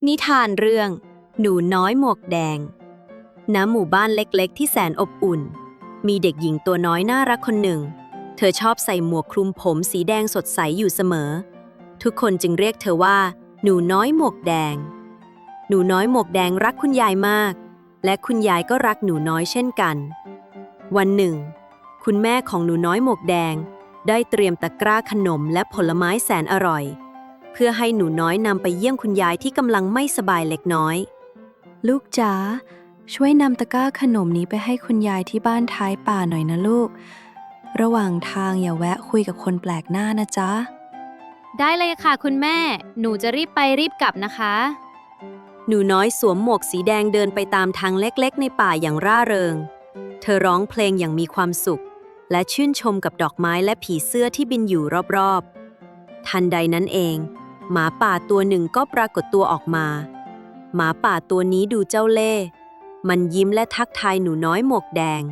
นิทานเรื่องหนูน้อยหมวกแดงณหมู่บ้านเล็กๆที่แสนอบอุ่นมีเด็กหญิงตัวน้อยน่ารักคนหนึ่งเธอชอบใส่หมวกคลุมผมสีแดงสดใสอยู่เสมอทุกคนจึงเรียกเธอว่าหนูน้อยหมวกแดงหนูน้อยหมวกแดงรักคุณยายมากและคุณยายก็รักหนูน้อยเช่นกันวันหนึ่งคุณแม่ของหนูน้อยหมวกแดงได้เตรียมตะกร้าขนมและผลไม้แสนอร่อยเพื่อให้หนูน้อยนำไปเยี่ยมคุณยายที่กำลังไม่สบายเล็กน้อยลูกจ๋าช่วยนำตะกร้าขนมนี้ไปให้คุณยายที่บ้านท้ายป่าหน่อยนะลูกระหว่างทางอย่าแวะคุยกับคนแปลกหน้านะจ๊ะได้เลยค่ะคุณแม่หนูจะรีบไปรีบกลับนะคะหนูน้อยสวมหมวกสีแดงเดินไปตามทางเล็กๆในป่าอย่างร่าเริงเธอร้องเพลงอย่างมีความสุขและชื่นชมกับดอกไม้และผีเสื้อที่บินอยู่รอบๆทันใดนั้นเองหมาป่าตัวหนึ่งก็ปรากฏตัวออกมาหมาป่าตัวนี้ดูเจ้าเล่ห์มันยิ้มและทักทายหนูน้อยหมวกแดง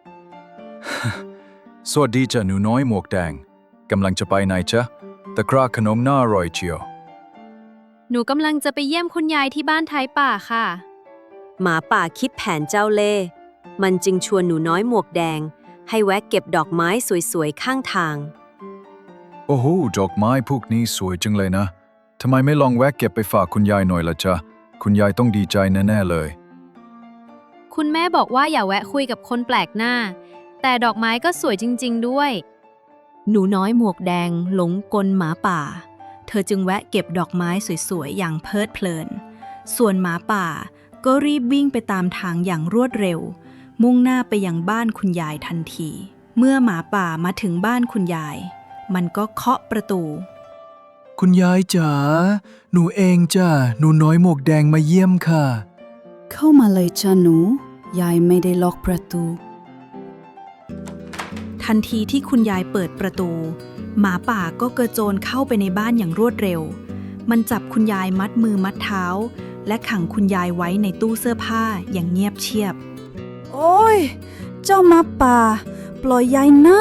สวัสดีจ้ะหนูน้อยหมวกแดงกำลังจะไปไหนจ๊ะตะกร้าขนมน่าอร่อยเชียวหนูกำลังจะไปเยี่ยมคุณยายที่บ้านท้ายป่าค่ะหมาป่าคิดแผนเจ้าเล่ห์มันจึงชวนหนูน้อยหมวกแดงให้แวะเก็บดอกไม้สวยๆข้างทางโอ้โหดอกไม้พวกนี้สวยจังเลยนะทำไมไม่ลองแวะเก็บไปฝากคุณยายหน่อยล่ะจ๊ะคุณยายต้องดีใจแน่ๆเลยคุณแม่บอกว่าอย่าแวะคุยกับคนแปลกหน้าแต่ดอกไม้ก็สวยจริงๆด้วยหนูน้อยหมวกแดงหลงกลหมาป่าเธอจึงแวะเก็บดอกไม้สวยๆอย่างเพลิดเพลินส่วนหมาป่าก็รีบวิ่งไปตามทางอย่างรวดเร็วมุ่งหน้าไปยังบ้านคุณยายทันทีเมื่อหมาป่ามาถึงบ้านคุณยายมันก็เคาะประตูคุณยายจ๋าหนูเองจ้ะหนูน้อยหมวกแดงมาเยี่ยมค่ะเข้ามาเลยจ้ะหนูยายไม่ได้ล็อกประตูทันทีที่คุณยายเปิดประตูหมาป่าก็กระโจนเข้าไปในบ้านอย่างรวดเร็วมันจับคุณยายมัดมือมัดเท้าและขังคุณยายไว้ในตู้เสื้อผ้าอย่างเงียบเชียบโอ้ยเจ้าหมาป่าปล่อยยายนะ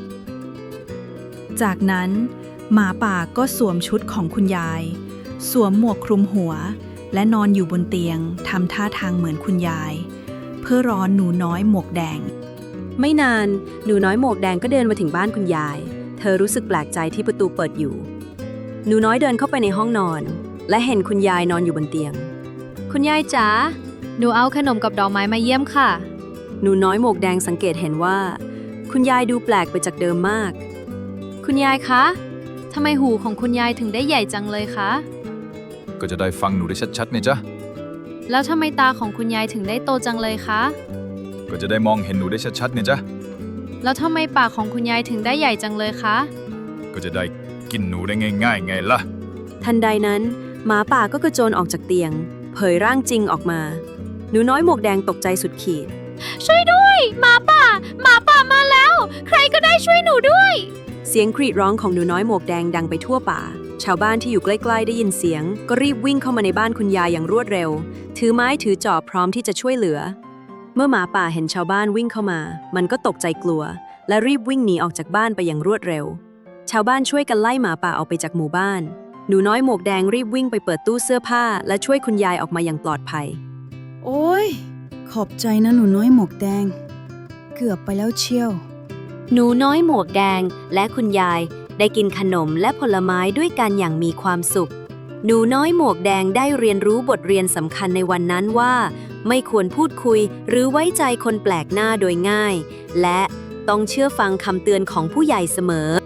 จากนั้นหมาป่าก็สวมชุดของคุณยายสวมหมวกคลุมหัวและนอนอยู่บนเตียงทำท่าทางเหมือนคุณยายเพื่อรอหนูน้อยหมวกแดงไม่นานหนูน้อยหมวกแดงก็เดินมาถึงบ้านคุณยายเธอรู้สึกแปลกใจที่ประตูเปิดอยู่หนูน้อยเดินเข้าไปในห้องนอนและเห็นคุณยายนอนอยู่บนเตียงคุณยายจ๋าหนูเอาขนมกับดอกไม้มาเยี่ยมค่ะหนูน้อยหมวกแดงสังเกตเห็นว่าคุณยายดูแปลกไปจากเดิมมากคุณยายคะทำไมหูของคุณยายถึงได้ใหญ่จังเลยคะก็จะได้ฟังหนูได้ชัดๆเนี่ยจ๊ะแล้วทำไมตาของคุณยายถึงได้โตจังเลยคะก็จะได้มองเห็นหนูได้ชัดๆเนี่ยจ๊ะแล้วทำไมปากของคุณยายถึงได้ใหญ่จังเลยคะก็จะได้กินหนูได้ง่ายๆไงล่ะทันใดนั้นหมาป่าก็กระโจนออกจากเตียงเผยร่างจริงออกมาหนูน้อยหมวกแดงตกใจสุดขีดช่วยด้วยหมาป่ามาแล้วใครก็ได้ช่วยหนูด้วยเสียงกรีดร้องของหนูน้อยหมวกแดงดังไปทั่วป่าชาวบ้านที่อยู่ใกล้ๆได้ยินเสียงก็รีบวิ่งเข้ามาในบ้านคุณยายอย่างรวดเร็วถือไม้ถือจอบพร้อมที่จะช่วยเหลือเมื่อหมาป่าเห็นชาวบ้านวิ่งเข้ามามันก็ตกใจกลัวและรีบวิ่งหนีออกจากบ้านไปอย่างรวดเร็วชาวบ้านช่วยกันไล่หมาป่าออกไปจากหมู่บ้านหนูน้อยหมวกแดงรีบวิ่งไปเปิดตู้เสื้อผ้าและช่วยคุณยายออกมาอย่างปลอดภัยโอ้ยขอบใจนะหนูน้อยหมวกแดงเกือบไปแล้วเชียวหนูน้อยหมวกแดงและคุณยายได้กินขนมและผลไม้ด้วยกันอย่างมีความสุขหนูน้อยหมวกแดงได้เรียนรู้บทเรียนสำคัญในวันนั้นว่าไม่ควรพูดคุยหรือไว้ใจคนแปลกหน้าโดยง่ายและต้องเชื่อฟังคำเตือนของผู้ใหญ่เสมอ